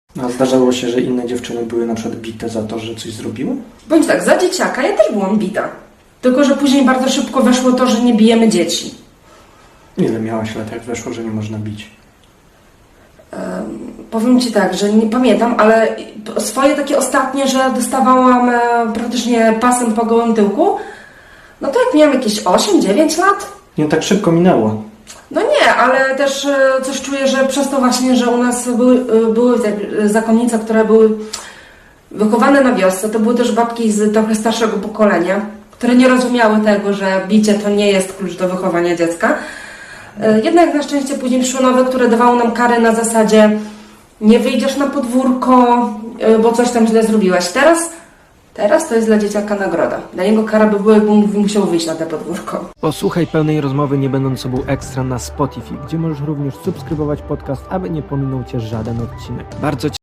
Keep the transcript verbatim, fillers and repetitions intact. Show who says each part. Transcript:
Speaker 1: A zdarzało się, że inne dziewczyny były na przykład bite za to, że coś zrobiły?
Speaker 2: Bądź tak, za dzieciaka ja też byłam bita. Tylko że później bardzo szybko weszło to, że nie bijemy dzieci.
Speaker 1: Ile miałaś lat, jak weszło, że nie można bić?
Speaker 2: Um, powiem Ci tak, że nie pamiętam, ale swoje takie ostatnie, że dostawałam e, praktycznie pasem po gołym tyłku, no to jak miałam jakieś osiem dziewięć lat.
Speaker 1: Nie tak szybko minęło.
Speaker 2: No nie, ale też e, coś czuję, że przez to właśnie, że u nas były, e, były te zakonnice, które były wychowane na wiosce, to były też babki z trochę starszego pokolenia, które nie rozumiały tego, że bicie to nie jest klucz do wychowania dziecka. E, jednak na szczęście później przyszły nowe, które dawały nam kary na zasadzie nie wyjdziesz na podwórko, e, bo coś tam źle zrobiłaś. Teraz Teraz to jest dla dzieciaka nagroda. Dla niego kara by była, jakby musiał wyjść na te podwórko.
Speaker 3: Posłuchaj pełnej rozmowy Nie Będąc Sobą Ekstra na Spotify, gdzie możesz również subskrybować podcast, aby nie pominął Cię żaden odcinek. Bardzo